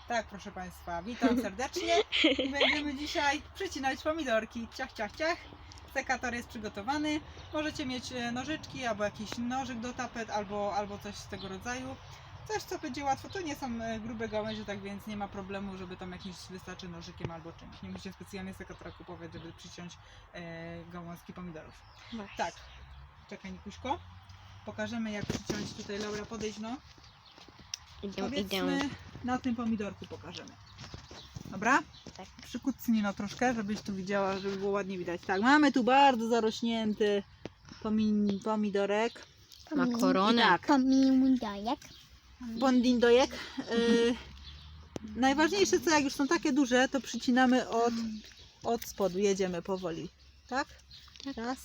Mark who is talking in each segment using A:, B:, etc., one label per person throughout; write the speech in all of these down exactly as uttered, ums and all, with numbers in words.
A: Tak, proszę Państwa, witam serdecznie i będziemy dzisiaj przycinać pomidorki. Ciach, ciach, ciach. Sekator jest przygotowany. Możecie mieć nożyczki albo jakiś nożyk do tapet, albo, albo coś z tego rodzaju. Coś, co będzie łatwo. To nie są grube gałęzie, tak więc nie ma problemu, żeby tam jakiś wystarczy nożykiem albo czymś. Nie musicie specjalnie sekatora kupować, żeby przyciąć e, gałązki pomidorów.
B: Właśnie.
A: Tak, czekaj Nikuśko. Pokażemy, jak przyciąć. Tutaj Laura, podejdź no.
B: Idę,
A: Powiedzmy,
B: idę.
A: na tym pomidorku pokażemy. Dobra?
B: Tak.
A: Przykucnij no troszkę, żebyś tu widziała, żeby było ładnie widać. Tak, mamy tu bardzo zarośnięty pomi pomidorek.
B: Ma koronę.
A: I tak,
C: Pomidorek.
A: bondindojek. Yy, najważniejsze co, jak już są takie duże, to przycinamy od, od spodu. Jedziemy powoli. Tak?
B: Tak.
A: Raz,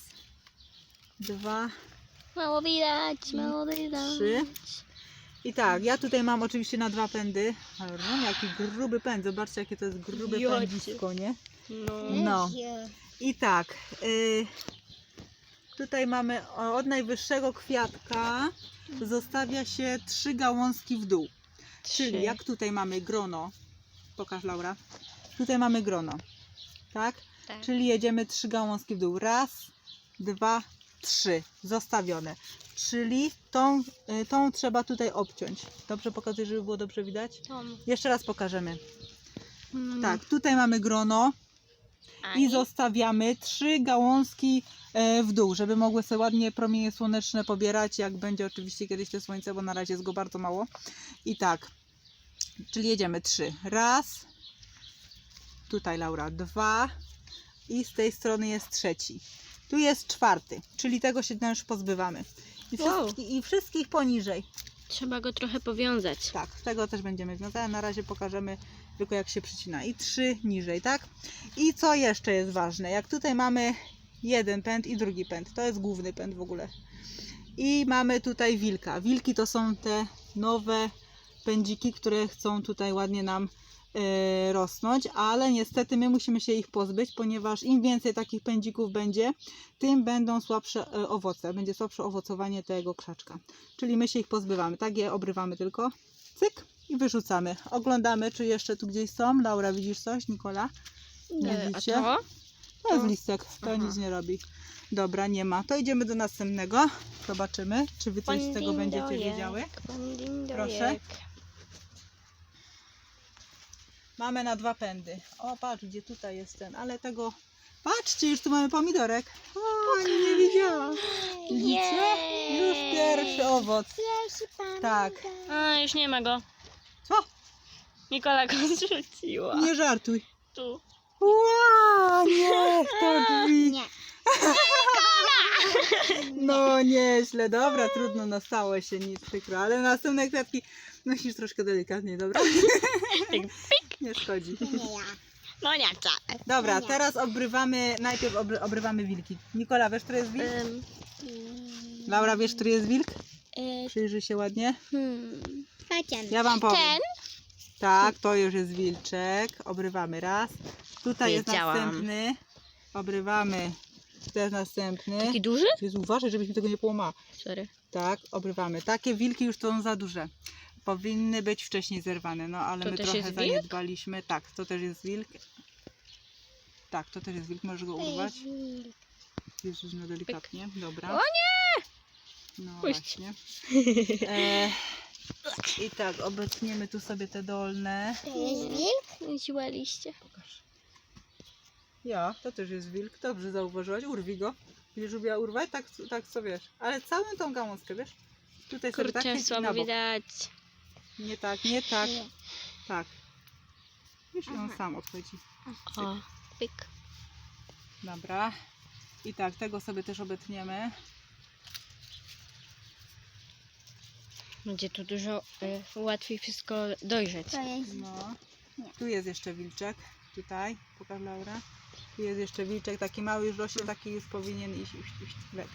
A: dwa,
B: Mało widać, mało widać.
A: trzy. I tak, ja tutaj mam oczywiście na dwa pędy. No, jaki gruby pęd, zobaczcie jakie to jest grube
B: Jocie.
A: pędzisko, nie?
B: No.
A: No. I tak, y, tutaj mamy od najwyższego kwiatka zostawia się trzy gałązki w dół. Czyli
B: Trzy.
A: jak tutaj mamy grono, pokaż Laura, tutaj mamy grono, tak?
B: Tak.
A: Czyli jedziemy trzy gałązki w dół. Raz, dwa, trzy. Zostawione. Czyli tą, y, tą trzeba tutaj obciąć. Dobrze pokazuję, żeby było dobrze widać?
B: Tom.
A: Jeszcze raz pokażemy.
B: Mm.
A: Tak, tutaj mamy grono
B: A
A: i zostawiamy trzy gałązki e, w dół, żeby mogły sobie ładnie promienie słoneczne pobierać, jak będzie oczywiście kiedyś to słońce, bo na razie jest go bardzo mało. I tak, czyli jedziemy trzy. Raz, tutaj Laura, dwa i z tej strony jest trzeci. Tu jest czwarty, czyli tego się już pozbywamy. I,
B: Wow.
A: wszystkich, I wszystkich poniżej.
B: Trzeba go trochę powiązać.
A: Tak, tego też będziemy wiązać. Na razie pokażemy tylko jak się przycina. I trzy niżej, tak? I co jeszcze jest ważne? Jak tutaj mamy jeden pęd i drugi pęd. To jest główny pęd w ogóle. I mamy tutaj wilka. Wilki to są te nowe pędziki, które chcą tutaj ładnie nam e, rosnąć, ale niestety my musimy się ich pozbyć, ponieważ im więcej takich pędzików będzie, tym będą słabsze e, owoce. Będzie słabsze owocowanie tego krzaczka. Czyli my się ich pozbywamy. Tak je obrywamy tylko. Cyk i wyrzucamy. Oglądamy, czy jeszcze tu gdzieś są. Laura, widzisz coś? Nikola? Nie
B: A
A: widzicie?
B: to?
A: To jest listek. To
B: Aha.
A: nic nie robi. Dobra, nie ma. To idziemy do następnego. Zobaczymy, czy wy coś z tego będziecie
B: Bondindojek,
A: wiedziały.
B: bondindojek.
A: Proszę. Mamy na dwa pędy. O, patrz, gdzie tutaj jest ten, ale tego... Patrzcie, już tu mamy pomidorek. O, nie, nie widziałam. Widzicie? Już pierwszy owoc.
C: Pierwszy pan.
A: Tak.
B: A, już nie ma go.
A: Co?
B: Nikola go zrzuciła.
A: Nie żartuj.
B: Tu.
A: Ła, niech to drzwi.
C: Nie.
A: No nieźle, dobra, trudno, nastało się, nic przykro, ale następne kwiatki nosisz troszkę delikatnie, dobra?
B: Tak pik.
A: Nie szkodzi.
C: Nie ja.
B: No nie wcale.
A: Dobra, teraz obrywamy, najpierw obry, obrywamy wilki. Nikola, wiesz, który jest wilk?
B: Um,
A: Laura, wiesz, który jest wilk?
C: Y,
A: Przyjrzyj się ładnie.
B: hmm.
C: Chodźmy.
A: Ja wam powiem.
B: Ten?
A: Tak, to już jest wilczek. Obrywamy raz. Tutaj jest
B: Wiedziałam.
A: następny. Obrywamy. To jest następny.
B: Taki duży?
A: Jezu, uważaj, żebyś mi tego nie połamała.
B: Sorry.
A: Tak, obrywamy. Takie wilki już są za duże. Powinny być wcześniej zerwane, no ale
B: To
A: my
B: też
A: trochę
B: jest wilk?
A: zaniedbaliśmy. Tak, to też jest wilk. Tak, to też jest wilk, możesz go urwać. Jezus, no delikatnie. Dobra.
B: O nie!
A: No
B: Puść.
A: właśnie. E, I tak, obetniemy tu sobie te dolne.
C: To jest wilk?
B: Siła liście.
A: Pokaż. Ja, to też jest wilk. Dobrze zauważyłaś. Urwij go. Będziesz lubiła urwać? Tak, tak co wiesz. Ale całą tą gałązkę, wiesz? Tutaj sobie tak
B: Kurczę,
A: jest i na
B: słabo
A: bok.
B: widać.
A: Nie tak, nie tak.
C: Nie.
A: Tak. Już on
C: Aha.
A: sam odchodzi.
B: O, pik.
A: Dobra. I tak, tego sobie też obetniemy.
B: Będzie tu dużo y, łatwiej wszystko dojrzeć.
C: To jest
A: No.
C: Nie.
A: Tu jest jeszcze wilczek. Tutaj. Pokaż Laura. Tu jest jeszcze wilczek. Taki mały już rośnie, taki już powinien iść. iść, iść. Lek.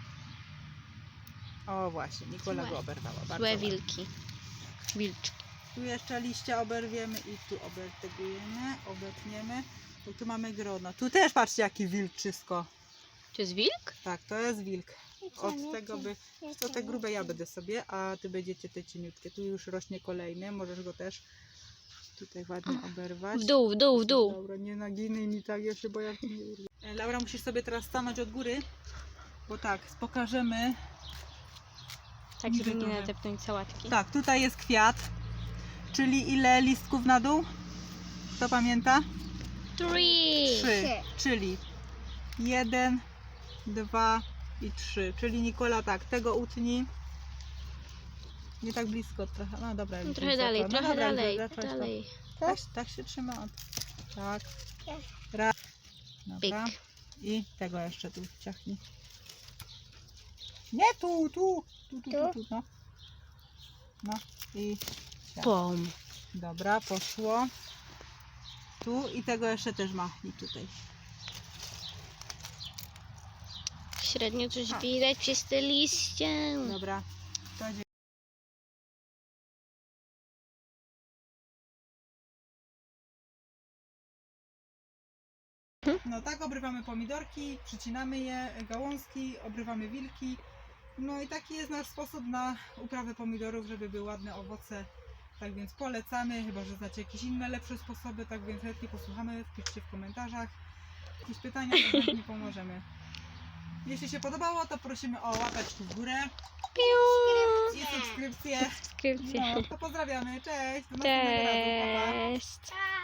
A: O właśnie, Nikola
C: Złe.
A: go oberwała. Bardzo
B: Złe
A: ładnie.
B: wilki. Wilczki.
A: Tu jeszcze liście oberwiemy i tu obertegujemy, obetniemy. I tu mamy grono. Tu też patrzcie jaki wilczysko.
B: To jest wilk?
A: Tak, to jest wilk. Od tego by... To te grube ja będę sobie, a ty będziecie te cieniutkie. Tu już rośnie kolejny, możesz go też Tutaj ładnie oberwać.
B: W dół, w dół, w dół.
A: Laura, nie naginaj mi tak, ja się boję. jak nie urwie. E, Laura, musisz sobie teraz stanąć od góry, bo tak, pokażemy.
B: Tak,
A: Niżej
B: żeby nie
A: trochę.
B: nadepnąć sałatki.
A: Tak, tutaj jest kwiat, czyli ile listków na dół? Kto pamięta?
B: Three.
A: Trzy, czyli jeden, dwa i trzy. Czyli Nikola, tak, tego utnij. Nie tak blisko trochę. No dobra,
B: No,
A: już
B: trochę
A: wysoko.
B: dalej,
A: No
B: trochę
A: dobra,
B: dalej,
A: zacząć to.
B: dalej.
A: Tak, tak się trzyma. Tak. Raz. Dobra.
B: Pyk.
A: I tego jeszcze tu ciachnij. Nie tu, tu, tu, tu, tu, tu no. No i ciach.
B: Pom.
A: Dobra, poszło. Tu i tego jeszcze też machnij tutaj.
B: Średnio coś
A: A.
B: widać przez te liście.
A: Dobra. To dzie- No tak, obrywamy pomidorki, przycinamy je, gałązki, obrywamy wilki. No i taki jest nasz sposób na uprawę pomidorów, żeby były ładne owoce. Tak więc polecamy, chyba że znacie jakieś inne lepsze sposoby, tak więc chętnie posłuchamy, wpiszcie w komentarzach. Jakieś pytania, to chętnie pomożemy. Jeśli się podobało, to prosimy o łapeczki w górę
B: Piu.
A: i subskrypcję.
B: Subskrypcje.
A: No, to pozdrawiamy, cześć! Do następnego razu, pa, pa.
B: Cześć.